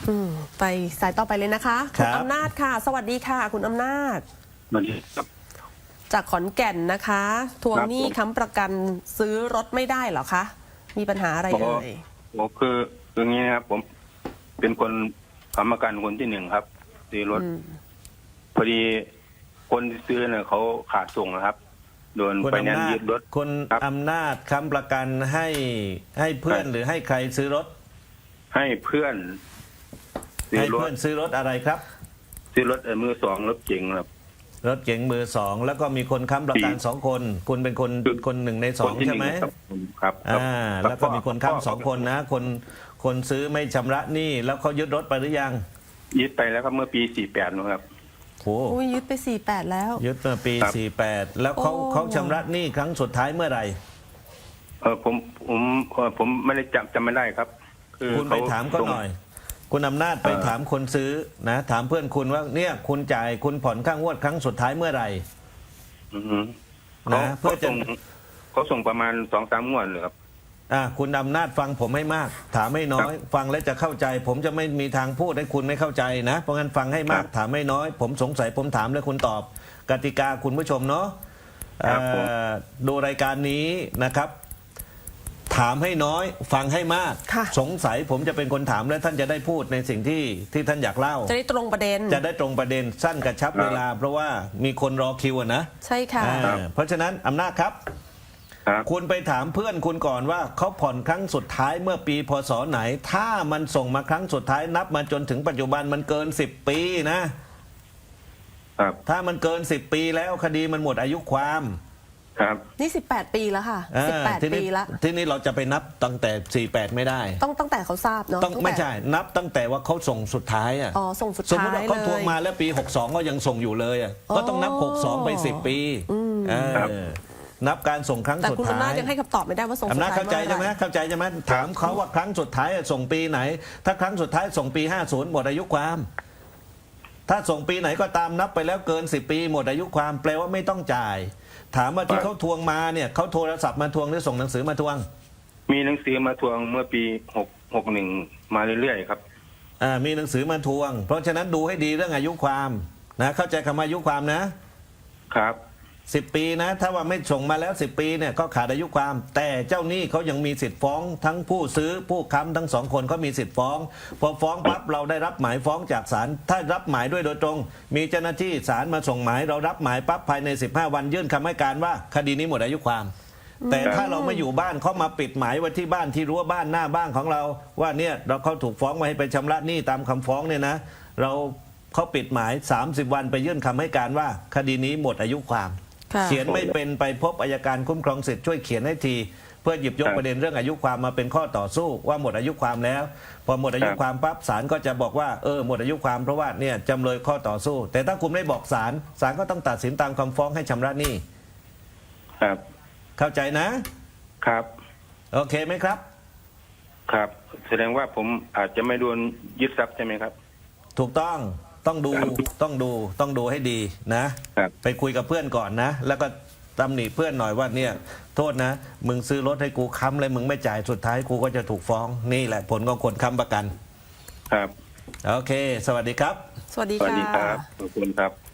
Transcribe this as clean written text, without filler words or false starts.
ไปสายต่อไปเลยนะคะคุณอำนาจค่ะสวัสดีค่ะคุณอำนาจสวัสดีครับจากขอนแก่นนะคะทวงหนี้ค้ำประกันซื้อรถไม่ได้เหรอคะมีปัญหาอะไรเอ่ยคืออย่างนี้นะครับผมเป็นคนค้ำประกันคนที่หนึ่งครับซื้อรถพอดีคนที่ซื้อเนี่ยเขาขาดส่งนะครับโดนไฟแนนซ์ยึดรถคุณอำนาจค้ำประกันให้เพื่อนหรือให้ใครซื้อรถให้เพื่อนซื้อรถอะไรครับซื้อรถมือสองรถเก๋งครับรถเก๋งมือสองแล้วก็มีคนค้ำประกัน2 คนคุณเป็นคน1 ใน 2ใช่ไหมครับแล้วก็มีคนค้ำ2 คนนะคนซื้อไม่ชำระหนี้แล้วเขายึดรถไปหรือยังยึดไปแล้วครับเมื่อปี48นะครับโอ้ยยึดไป48แล้วยึดเมื่อปี48แล้วเขาชำระหนี้ครั้งสุดท้ายเมื่อไหร่ผมไม่ได้จำไม่ได้ครับคุณไปถามก็หน่อยคุณอำนาจไปถามคนซื้อนะถามเพื่อนคุณว่าเนี่ยคุณจ่ายคุณผ่อนค่างวดครั้งสุดท้ายเมื่อไหร่นะเพื่อเขาส่งประมาณ2-3 งวดเลยครับคุณอำนาจฟังผมให้มากถามให้น้อยฟังแล้วจะเข้าใจ ผมจะไม่มีทางพูดให้คุณไม่เข้าใจนะเพราะงั้นฟังให้มากถามให้น้อยผมสงสัยผมถามแล้วคุณตอบกติกาคุณผู้ชมเนาะดูรายการนี้นะครับถามให้น้อยฟังให้มากสงสัยผมจะเป็นคนถามและท่านจะได้พูดในสิ่งที่ท่านอยากเล่าจะได้ตรงประเด็นสั้นกระชับเวลาเพราะว่ามีคนรอคิวนะใช่ค่ะเพราะฉะนั้นอำนาจครับคุณไปถามเพื่อนคุณก่อนว่าเขาผ่อนครั้งสุดท้ายเมื่อปีพศไหนถ้ามันส่งมาครั้งสุดท้ายนับมาจนถึงปัจจุบันมันเกิน10 ปีนะถ้ามันเกิน10 ปีแล้วคดีมันหมดอายุความนี่18 ปีแล้วค่ะ18 ปีแล้วทีนี้เราจะไปนับตั้งแต่48ไม่ได้ตั้งแต่เขาทราบเนาะไม่ใช่นับตั้งแต่ว่าเขาส่งสุดท้ายส่งสุดท้ายสมมติว่าเขาทวงมาแล้วปี62ก็ยังส่งอยู่เลยก็ต้องนับ62ไป10 ปีนับการส่งครั้งสุดท้ายแต่คุณอำนาจยังให้คำตอบไม่ได้ว่าส่งสุดท้ายเข้าใจใช่ไหมถามเขาว่าครั้งสุดท้ายส่งปีไหนถ้าครั้งสุดท้ายส่งปี50หมดอายุความถ้าส่งปีไหนก็ตามนับไปแล้วเกิน10 ปีหมดอายุความแปลว่าไม่ต้องจ่ายถามว่าที่เขาทวงมาเนี่ยเขาโทรศัพท์มาทวงหรือส่งหนังสือมาทวงมีหนังสือมาทวงเมื่อปี61มาเรื่อยๆครับมีหนังสือมาทวงเพราะฉะนั้นดูให้ดีเรื่องอายุความนะเข้าใจคำว่าอายุความนะครับ10 ปีนะถ้าว่าไม่ส่งมาแล้ว10 ปีเนี่ยก็ขาดอายุความแต่เจ้าหนี้เขายังมีสิทธิ์ฟ้องทั้งผู้ซื้อผู้ค้ำทั้ง2 คนเขามีสิทธิ์ฟ้องพอฟ้องปั๊บเราได้รับหมายฟ้องจากศาลถ้ารับหมายด้วยโดยตรงมีเจ้าหน้าที่ศาลมาส่งหมายเรารับหมายปั๊บภายใน15 วันยื่นคำให้การว่าคดีนี้หมดอายุความแต่ถ้าเราไม่อยู่บ้านเขามาปิดหมายไว้ที่บ้านที่รั้วบ้านหน้าบ้านของเราว่าเนี่ยเราเขาถูกฟ้องมาให้ไปชำระหนี้ตามคำฟ้องเนี่ยนะเขาปิดหมาย30 วันไปยื่นคำให้การว่าคดีนี้หมดอายุความเขียนไม่เป็นไปพบอัยการคุ้มครองสิทธิ์ช่วยเขียนให้ทีเพื่อหยิบยกประเด็นเรื่องอายุความมาเป็นข้อต่อสู้ว่าหมดอายุความแล้วพอหมดอายุความปั๊บศาลก็จะบอกว่าหมดอายุความเพราะว่าเนี่ยจำเลยข้อต่อสู้แต่ถ้าคุณไม่บอกศาลก็ต้องตัดสินตามคำฟ้องให้ชำระหนี้ครับเข้าใจนะครับโอเคไหมครับครับแสดงว่าผมอาจจะไม่โดนยึดทรัพย์ใช่ไหมครับถูกต้องดูให้ดีนะไปคุยกับเพื่อนก่อนนะแล้วก็ตำหนิเพื่อนหน่อยว่าเนี่ยโทษนะมึงซื้อรถให้กูค้ำเลยมึงไม่จ่ายสุดท้ายกูก็จะถูกฟ้องนี่แหละผลของคนค้ำประกันครับโอเคสวัสดีครับสวัสดีครับขอบคุณครับ